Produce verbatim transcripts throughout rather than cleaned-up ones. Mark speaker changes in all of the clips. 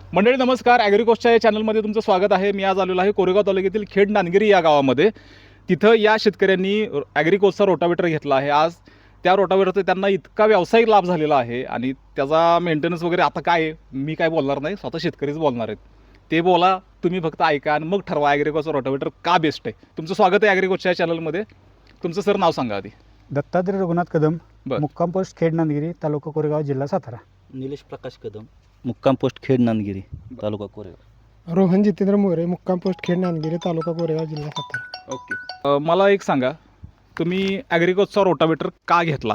Speaker 1: मंडळी नमस्कार, ॲग्रिकोस्टच्या या चॅनलमध्ये तुमचं स्वागत आहे. मी आज आलेलो आहे कोरेगाव तालुक्यातील खेड नांदगिरी या गावामध्ये. तिथं या शेतकऱ्यांनी ॲग्रिकोस्टचा रोटावेटर घेतला आहे. आज त्या रोटावेटरचा त्यांना इतका व्यावसायिक लाभ झालेला आहे आणि त्याचा मेंटेनन्स वगैरे आता काय आहे मी काय बोलणार नाही, स्वतः शेतकरीच बोलणार आहेत. ते बोला, तुम्ही फक्त ऐका आणि मग ठरवा ॲग्रिकोस्टचा रोटावेटर का बेस्ट आहे. तुमचं स्वागत आहे ॲग्रिकोस्टच्या चॅनलमध्ये. तुमचं सर नाव सांगा आधी.
Speaker 2: दत्तात्रय रघुनाथ कदम,
Speaker 1: बरं.
Speaker 2: मुक्काम पोस्ट खेड नांदगिरी, तालुका कोरेगाव, जिल्हा सातारा.
Speaker 3: निलेश प्रकाश कदम, मुक्काम पोस्ट खेड नांदगिरी, तालुका कोरेगाव.
Speaker 4: रोहन जितेंद्र मोरे, मुक्काम पोस्ट खेड नांदगिरी, तालुका कोरेगाव, जिल्हा सातारा.
Speaker 1: ओके. अ, मला एक सांगा, तुम्ही ॲग्रिकोस्टचा रोटावेटर का घेतला?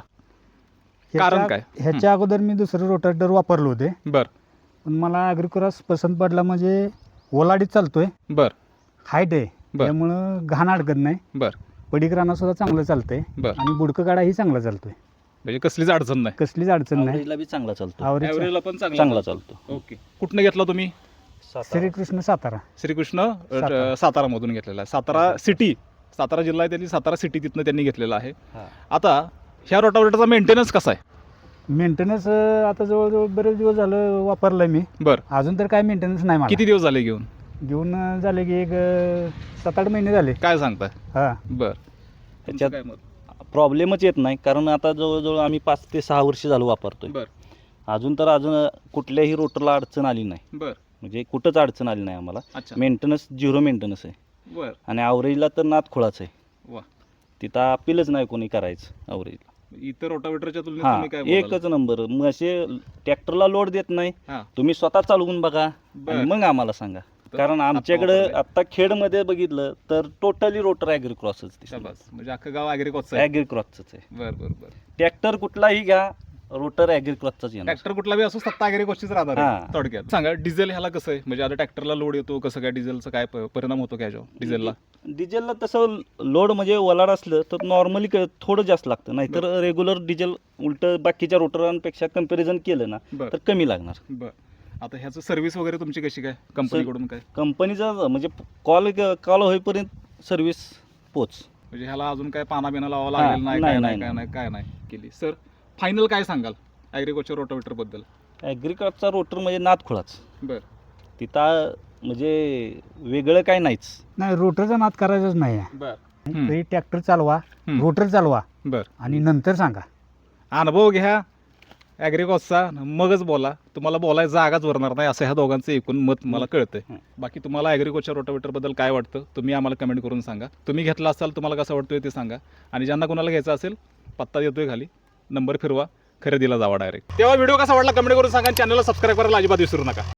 Speaker 1: कारण
Speaker 2: ह्याच्या-
Speaker 1: काय?
Speaker 2: ह्याच्या अगोदर मी दुसरं रोटावेटर वापरलो होते,
Speaker 1: बर
Speaker 2: पण मला ॲग्रिक्रॉस पसंत पडला. म्हणजे ओलाडीत चालतोय,
Speaker 1: बर
Speaker 2: हाईट आहे,
Speaker 1: बर.
Speaker 2: त्यामुळं घाण अडकत नाही.
Speaker 1: बर
Speaker 2: पडीक राणा सुद्धा चांगलं चालतंय
Speaker 1: बर
Speaker 2: आणि बुडकं काढाही चांगला चालतोय.
Speaker 1: म्हणजे कसलीच अडचण नाही.
Speaker 2: कसलीच अडचण नाही.
Speaker 3: आवरेजला बी चांगला चालतो,
Speaker 2: आवरेज
Speaker 1: ॲव्हरेजला पण चांगला
Speaker 3: चांगला चालतो.
Speaker 1: ओके. कुठनं घेतला तुम्ही?
Speaker 2: श्रीकृष्ण सातारा.
Speaker 1: श्रीकृष्ण अ,
Speaker 2: सातारा.
Speaker 1: सातारामधून घेतलेला आहे. सातारा सिटी, सातारा जिल्हा आहे त्यांनी, सातारा सिटी तिथनं त्यांनी घेतलेला आहे.
Speaker 3: हा.
Speaker 1: आता ह्या रोटावेटरचा मेंटेनन्स कसा आहे?
Speaker 2: मेंटेनन्स आता जवळजवळ बरेच दिवस झालं वापरलंय मी.
Speaker 1: बर
Speaker 2: अजून तर काय मेंटेनन्स नाही मला.
Speaker 1: किती दिवस झाले घेऊन?
Speaker 2: घेऊन अं, झाले की एक अं, सात आठ महिने झाले.
Speaker 1: काय सांगताय?
Speaker 2: हा.
Speaker 1: बर
Speaker 3: त्याच्यात
Speaker 1: काय मत?
Speaker 3: प्रॉब्लेमच येत नाही, कारण आता जवळजवळ आम्ही पाच ते सहा वर्ष झालं वापरतोय.
Speaker 1: बर
Speaker 3: अजून तर अजून कुठल्याही रोटरला अडचण आली नाही,
Speaker 1: बर
Speaker 3: म्हणजे कुठंच अडचण आली नाही आम्हाला.
Speaker 1: अच्छा.
Speaker 3: मेंटेनन्स झिरो मेंटेनन्स आहे
Speaker 1: बर
Speaker 3: आणि आवरेजला तर नाद खोळाच आहे.
Speaker 1: वा.
Speaker 3: तिथं अपीलच नाही कोणी करायचं आवरेजला.
Speaker 1: इतर रोटावेटरच्या तुलनेत
Speaker 3: हा,
Speaker 1: तुम्ही काय बोलाल?
Speaker 3: एकच नंबर. मग असे ट्रॅक्टरला लोड देत नाही,
Speaker 1: हा.
Speaker 3: तुम्ही स्वतः चालवून बघा
Speaker 1: बर.
Speaker 3: आणि मग आम्हाला सांगा.
Speaker 1: तर
Speaker 3: कारण
Speaker 1: आता
Speaker 3: आमच्याकडे
Speaker 1: वापरलंय.
Speaker 3: आता खेडमध्ये बघितलं तर टोटली रोटर ॲग्रिक्रॉसच
Speaker 1: शाबास. म्हणजे अख्खं गाव ॲग्रिकॉसचं आहे.
Speaker 3: ॲग्रिक्रॉसच आहे.
Speaker 1: बर बर बर
Speaker 3: ट्रॅक्टर कुठलाही घ्या, रोटर ॲग्रिक्रॉसचाच येणार.
Speaker 1: ट्रॅक्टर कुठला बी असो, सत्ता ॲग्रिकॉसचीच राहणार आहे
Speaker 3: हा.
Speaker 1: थोडक्यात. सांगा, डिझेल ह्याला कसं आहे? म्हणजे आता ट्रॅक्टरला लोड येतो, कसं काय डिझेलचा काय प- परिणाम होतो काय डिझेलला?
Speaker 3: डिझेलला तसं लोड म्हणजे वलाड असलं तर नॉर्मली थोडं जास्त लागतं, नाहीतर रेग्युलर डिझेल उलट बाकीच्या रोटरांपेक्षा कम्पॅरिझन केलं ना
Speaker 1: बर
Speaker 3: तर कमी लागणार.
Speaker 1: बर. आता ह्याचं सर्व्हिस वगैरे तुमची कशी काय, कंपनीकडून काय?
Speaker 3: कंपनीचा म्हणजे कॉल कॉल होईपर्यंत सर्व्हिस पोच.
Speaker 1: म्हणजे ह्याला अजून काय पाना बिना लावा
Speaker 3: हा,
Speaker 1: लागेल नाही,
Speaker 3: नाही,
Speaker 1: काय
Speaker 3: नाही,
Speaker 1: नाही, काय नाही, काय नाही केली. सर फायनल काय सांगाल ॲग्रिकोस्टच्या रोटावेटर बद्दल?
Speaker 3: ॲग्रिक्रॉसचा रोटर म्हणजे नादखुळाच.
Speaker 1: बर
Speaker 3: तिथं म्हणजे वेगळं काय नाहीच.
Speaker 2: नाही, रोटरचा नाद करायचाच नाही आहे.
Speaker 1: बर हम्म.
Speaker 2: तरी ट्रॅक्टर चालवा,
Speaker 1: हम्म.
Speaker 2: रोटर चालवा
Speaker 1: बर.
Speaker 2: आणि नंतर सांगा.
Speaker 1: अनुभव घ्या ॲग्रिकॉसचा, मगच बोला. तुम्हाला बोलायला जागाच उरणार नाही, असं ह्या दोघांचं एकूण मत मला कळतंय.
Speaker 3: हं.
Speaker 1: बाकी तुम्हाला ॲग्रिकॉसच्या रोटावेटरबद्दल काय वाटतं तुम्ही आम्हाला कमेंट करून सांगा. तुम्ही घेतला असाल, तुम्हाला कसं वाटतोय ते सांगा. आणि ज्यांना कोणाला घ्यायचं असेल, पत्ता देतोय खाली, नंबर फिरवा, खरेदीला जावा डायरेक्ट. तेव्हा व्हिडिओ कसा वाटला कमेंट करून सांगा. चॅनलला सबस्क्राईब करायला अजिबात विसरू नका.